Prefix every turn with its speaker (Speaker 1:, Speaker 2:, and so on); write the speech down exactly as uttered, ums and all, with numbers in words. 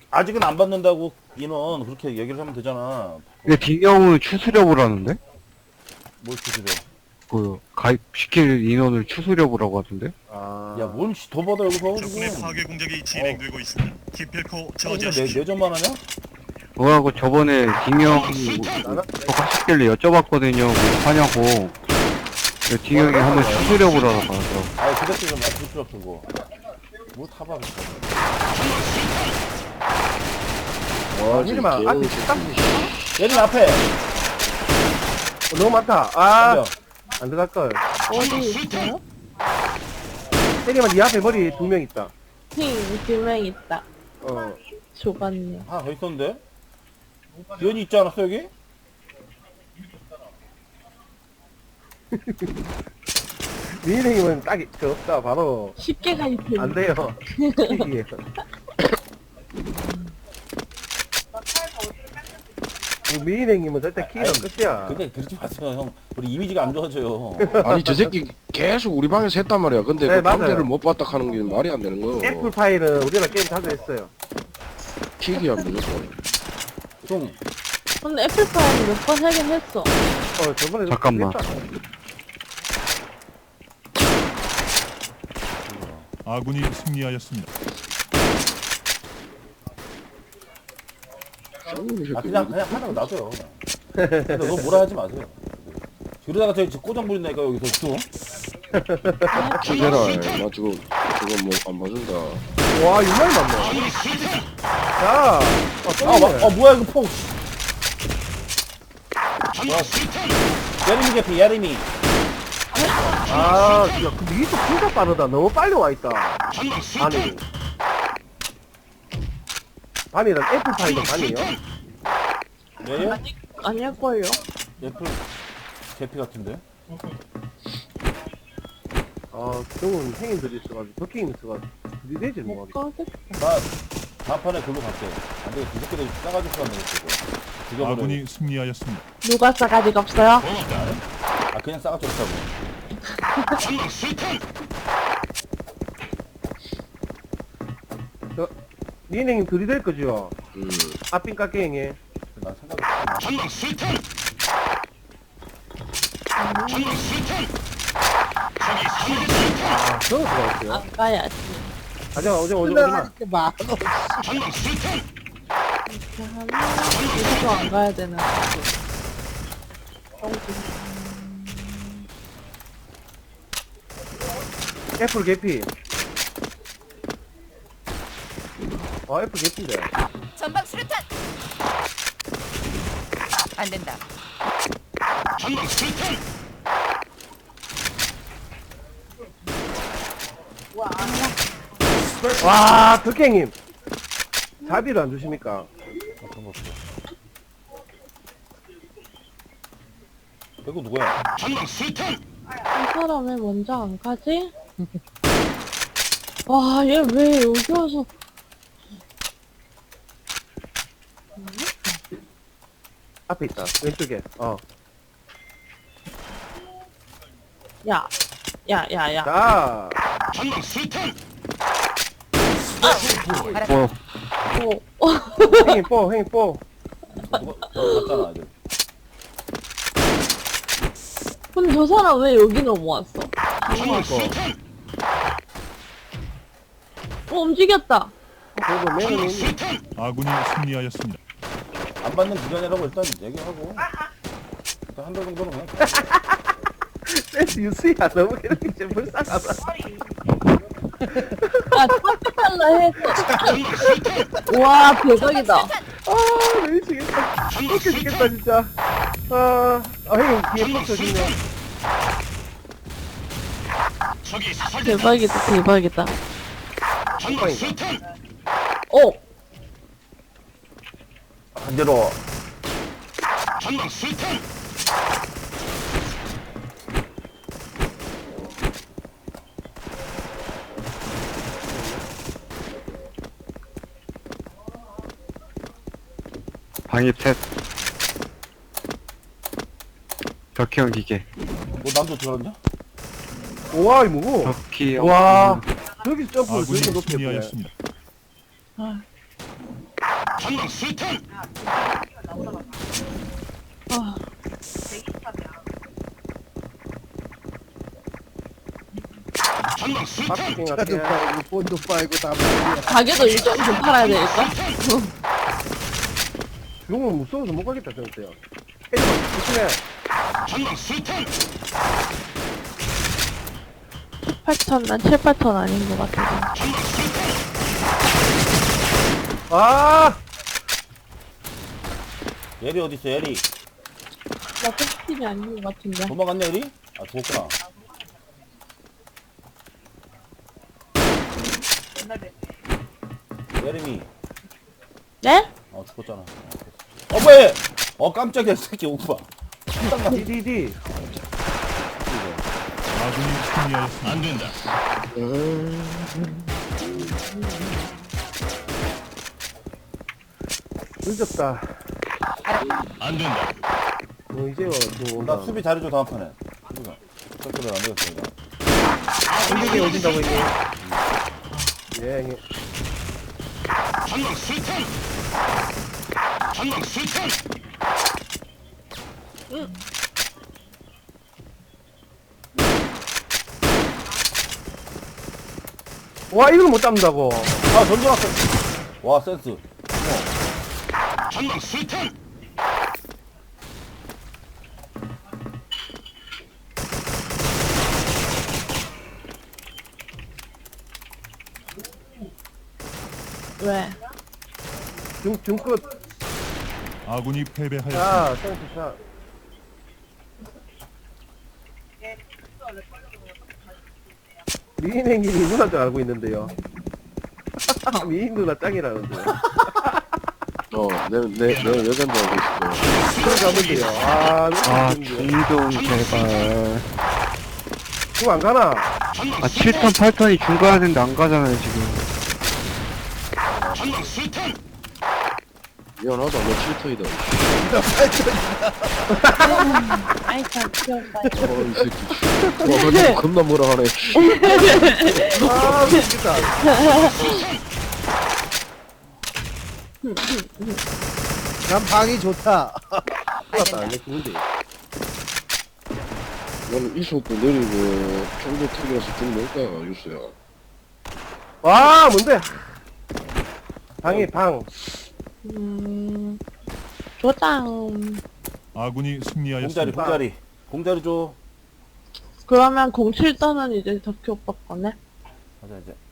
Speaker 1: 아직은 안 받는다고 인원 그렇게 얘기를 하면 되잖아.
Speaker 2: 근데 딩형은 추수려고 하는데?
Speaker 1: 뭘 추스려?
Speaker 2: 그, 가입시킬 인원을 추수려고 하던데?
Speaker 3: 아.
Speaker 1: 야, 뭔 더 받아 여기서
Speaker 4: 적군의
Speaker 1: 지금.
Speaker 4: 파괴 공작이 진행되고 있습니다. 기필코
Speaker 1: 어, 내
Speaker 4: 저지하십시오.
Speaker 1: 내전만 하냐?
Speaker 2: 그거하고 저번에 딩형이 저가시길래 여쭤봤거든요. 뭐 하냐고. 근데 딩형이 한번 추수려고 하더라고.
Speaker 1: 아, 그 새끼 좀 맞출 필요 없어 그거. 뭐 타박했어.
Speaker 3: 와, 이리만 앞에 딱
Speaker 1: 얘는 앞에.
Speaker 3: 어, 너무 많다. 아,
Speaker 1: 덤벼.
Speaker 3: 안 들어갈 걸.
Speaker 5: 어디 있어요?
Speaker 3: 때리면 네 앞에 머리 두 명 있다.
Speaker 5: 힝, 두명 있다.
Speaker 3: 어.
Speaker 5: 좁았네.
Speaker 1: 하나 더 있었는데? 연이 있지 않았어 여기?
Speaker 3: 미인행님은 딱이 그 없다. 바로
Speaker 5: 쉽게 가입해.
Speaker 3: 안 돼요. 이게. 미인행님은 절대 키가
Speaker 1: 아니,
Speaker 3: 끝이야.
Speaker 1: 근데 그러지 마세요 형. 우리 이미지가 안 좋아져요.
Speaker 6: 아니 저 새끼 계속 우리 방에서 했단 말이야. 근데
Speaker 3: 네,
Speaker 6: 그
Speaker 3: 맞아요.
Speaker 6: 방대를 못 봤다 하는 게 말이 안 되는 거요.
Speaker 3: 애플 파일은 우리가 게임 자주 했어요.
Speaker 6: 킥이야 무조건.
Speaker 1: 형,
Speaker 5: 근데 애플파이 몇 번 하긴 했어.
Speaker 3: 어, 저번에
Speaker 2: 잠깐만.
Speaker 3: 했다.
Speaker 4: 아군이 승리하였습니다.
Speaker 1: 아 그냥 그냥 하라고 놔둬요. 그냥. 근데 너 뭐라 하지 마세요. 그러다가 저기 꼬장 부린다니까 여기서 또.
Speaker 6: 킥해라. 나 지금 저거 뭐 안 봐준다.
Speaker 3: 와, 유명이 많네. 자, 어, 또
Speaker 1: 아,
Speaker 3: 있네.
Speaker 1: 와, 어 뭐야 이거 폭. 와, 예림이 개피 예림이.
Speaker 3: 아, 야, 근데 이게 진짜 빠르다. 너무 빨리 와 있다. 반이. 반이란 애플 파이도 반이에요?
Speaker 1: 네?
Speaker 5: 아니, 아닐걸요?
Speaker 1: 애플 개피 같은데?
Speaker 3: 아, 그동은 행인들이 있어가지고, 버킹이 있어가지고, 들이대지 뭐.
Speaker 5: 못 가겠다.
Speaker 1: 나 다음 판에 글로 갈게. 안 되겠어. 이 새끼들 싸가지고 가는 거고. 죽여버려.
Speaker 4: 아군이 승리하였습니다.
Speaker 5: 누가 싸가지가 없어요?
Speaker 1: 아 그냥 싸가지고 없다고.
Speaker 3: 저, 니은행님 들이댈 거죠?
Speaker 6: 음.
Speaker 3: 앞빈 깎게행에.
Speaker 1: 난 생각이 없어.
Speaker 3: 아, 저거 들어갔어요.
Speaker 5: 안 가야지.
Speaker 3: 가자, 오자, 오자, 오자.
Speaker 5: 이렇게 막. 이렇게 하면, 이것도 안 가야 되는 거지.
Speaker 3: 애플 개피. 아, 애플 개피인데.
Speaker 7: 전방 수류탄. 안 된다.
Speaker 3: 와, 덕행님. 자비를 안 주십니까?
Speaker 1: 아, 그런 거 없어. 이거 누구야?
Speaker 5: 이 사람이 먼저 안 가지? 와, 얘 왜 여기 와서.
Speaker 3: 앞에 있다. 왼쪽에. 어.
Speaker 5: 야, 야, 야, 야.
Speaker 3: 자,
Speaker 2: 뭐,
Speaker 5: 어,
Speaker 3: 행인 뽀, 행인 뽀.
Speaker 1: 누가 너 갔잖아 아직.
Speaker 5: 근데 저 사람 왜 여기 넘어왔어? 어, 움직였다.
Speaker 3: 그리고 매너님.
Speaker 4: 아군이 승리하였습니다.
Speaker 1: 안 받는 기간이라고 일단 얘기하고. 일단 한 달 정도는 그냥.
Speaker 3: 센스 유수야. 너무 이렇게 좀 불쌍하다.
Speaker 5: 야, 탑달라 했어. 와, 대박이다.
Speaker 3: 아, 미치겠다. 웃겨 죽겠다, 진짜. 아, 아, 형님, 뒤에 뻑 쳐주네.
Speaker 5: 대박이다, 대박이다.
Speaker 3: 빵빵이다.
Speaker 5: 어,
Speaker 1: 반대로.
Speaker 2: 방입 셋. 덕형 기계.
Speaker 1: 뭐 남도 들어갔냐?
Speaker 3: 우와, 이 뭐고?
Speaker 2: 덕희 형.
Speaker 3: 와, 저기 점프,
Speaker 4: 아군이
Speaker 3: 저기 높게 보네.
Speaker 4: 승리하였습니다.
Speaker 5: 아, 아,
Speaker 3: 박스킹
Speaker 8: 차도
Speaker 3: 할게.
Speaker 8: 빨고 본도 빨고 다 빨고.
Speaker 5: 가게도 일정 좀 팔아야 되겠어?
Speaker 3: 용은 무서워서 못 가겠다, 저때요. 헤이만 조심해.
Speaker 5: 팔천, 난 칠, 팔천 아닌 것 같아.
Speaker 3: 아!
Speaker 1: 예리 어딨어 예리?
Speaker 5: 나 꿀팁이 아닌 것 같은데.
Speaker 1: 도망갔냐 예리? 아 죽었구나. 예림이.
Speaker 5: 네?
Speaker 1: 어 죽었잖아. 어, 어 뭐해? 어 깜짝이야 이 새끼 오빠. 딱
Speaker 3: 디디디.
Speaker 4: 아군이 승리하였습니다. 안 된다.
Speaker 3: 늦었다.
Speaker 4: 안 된다.
Speaker 3: 어, 이제 또 온다.
Speaker 1: 나 수비 잘해줘 다음 판에. 수비가. 척도를 안 되겠어 이거.
Speaker 3: 공격이 오진다고 했니? 예, 형님. 와, 이걸 못 잡는다고.
Speaker 1: 아 던져놨어. 와 센스.
Speaker 5: 왜?
Speaker 3: 중, 중끝.
Speaker 4: 아군이 패배하였습니다.
Speaker 3: 자, 땡스 샷. 미인 행님이 누나인 줄 알고 있는데요. 미인 누나 짱이라는데요.
Speaker 6: 어, 내, 내, 내 여잔도 알고 있어.
Speaker 3: 그걸 가면 돼요. 아,
Speaker 2: 아,
Speaker 3: 누나
Speaker 2: 중좀 제발.
Speaker 3: 그거 안 가나?
Speaker 2: 아, 칠 턴, 팔 턴이 중 가야 되는데 안 가잖아요, 지금.
Speaker 6: 미안하다, 너 칠터이다.
Speaker 5: 아이, 참, 귀엽다.
Speaker 6: 어, 이 새끼. 와, 근데 겁나 뭐라 하네.
Speaker 3: 아, 미치겠다.
Speaker 8: 난 방이 좋다.
Speaker 7: 안
Speaker 3: 큰일 났다.
Speaker 7: 된다.
Speaker 3: 내 죽는데.
Speaker 6: 나는 이 속도 내리고, 정도 턱이라서 좀 뭘까, 유수야.
Speaker 3: 와, 뭔데? 방이 방.
Speaker 5: 음, 조장.
Speaker 4: 아군이
Speaker 1: 공자리
Speaker 4: 승리하였습니다.
Speaker 1: 공자리. 공자리 줘.
Speaker 5: 그러면 공칠 떠는 이제 덕희 오빠 거네?
Speaker 1: 가자 이제.